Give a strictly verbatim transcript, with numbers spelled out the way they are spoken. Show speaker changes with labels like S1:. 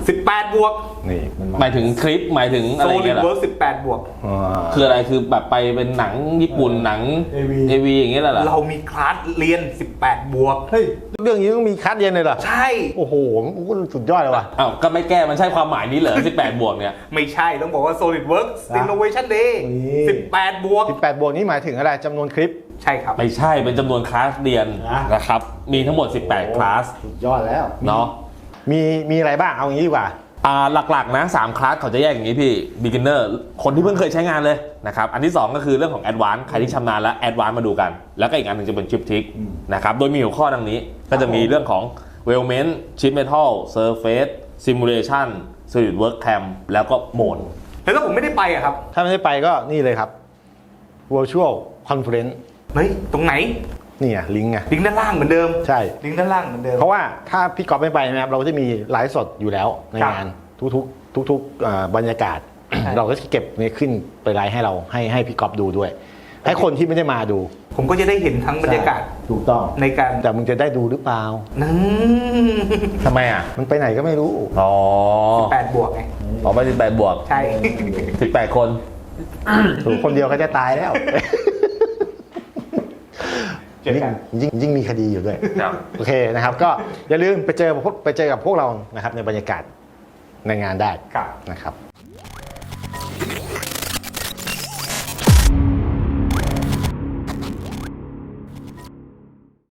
S1: สิบแปดบวก
S2: นี่
S3: หมายถึงคลิปหมายถึงอะไรเงี้ยเหรอ
S1: SolidWorks สิบแปดบวก
S3: คืออะไรคือแบบไปเป็นหนังญี่ปุ่นหนัง เอ วี อย่างเงี้ยเหรอ
S1: เรามีคลาสเรียนสิบแปดบวก
S2: เฮ้ยเรื่องนี้ต้องมีคัดเรียนเลยเหรอ
S1: ใช่
S2: โอ้โหสุดยอดเลยว่ะ
S3: อ้าวก็ไม่แก้มันใช่ความหมายนี้เหรอสิบแปดบวกเนี่ย
S1: ไม่ใช่ต้องบอกว่า SolidWorks Innovation Day สิบแปดบวก
S2: สิบแปดบวกนี่หมายถึงอะไรจำนวนคลิป
S1: ใช่ครับ
S3: ไม่ใช่เป็นจำนวนคลาสเรียนนะครับมีทั้งหมดสิบแปดคลาส
S2: สุดยอดแล้ว
S3: เนาะ
S2: มีมีอะไรบ้างเอาอย่างนี้ดีกว่า
S3: อ่าหลักๆนะสามคลาสเขาจะแยกอย่างนี้พี่ beginner คนที่เพิ่งเคยใช้งานเลยนะครับอันที่สองก็คือเรื่องของ advanced ใครที่ชำนาญแล้ว advanced มาดูกันแล้วก็อีกอันหนึ่งจะเป็น triptych นะครับโดยมีหัวข้อดังนี้ก็จะมีเรื่องของ weldment sheet metal surface simulation SolidWorks cam แล้วก็โหมด
S1: แล้วถ้าผมไม่ได้ไปอะครับ
S2: ถ้าไม่ได้ไปก็นี่เลยครับ virtual conference
S1: เฮ้ยตรงไหน
S2: นี่ไงลิงก์ไง
S1: ลิงก์ด้านล่างเหมือนเดิม
S2: ใช่
S1: ลิงก์ด้านล่างเหมือนเดิม
S2: เพราะว่าถ้าพี่ก๊อฟไม่ไปนะครับเราก็จะมีไลฟ์สดอยู่แล้วในงานทุกๆทุกๆบรรยากาศ เราก็จะเก็บนี่ขึ้นไปไลฟ์ให้เราให้ให้พี่ก๊อฟดูด้วยให้คนที่ไม่ได้มาดู
S1: ผมก็จะได้เห็นทั้งบรรยากาศ
S2: ถูกต้อง
S1: ในการ
S2: แต่มึงจะได้ดูหรือเปล่า
S1: นั่น
S3: ทำไมอ่ะ
S2: มันไปไหนก็ไม่รู้
S3: อ๋อ
S1: สิบแปดบวกไง
S3: อ๋อไปสิบแปดบวก
S1: ใช่
S3: สิบแปดคน
S2: ถูกคนเดียวก็จะตายแล้วยิ่งยิ่งยิ่งมีคดีอยู่ด้วยโอเคนะครับก็อย่าลืมไปเจอไปเจอกับพวกเรานะครับในบรรยากาศในงานได้นะครับ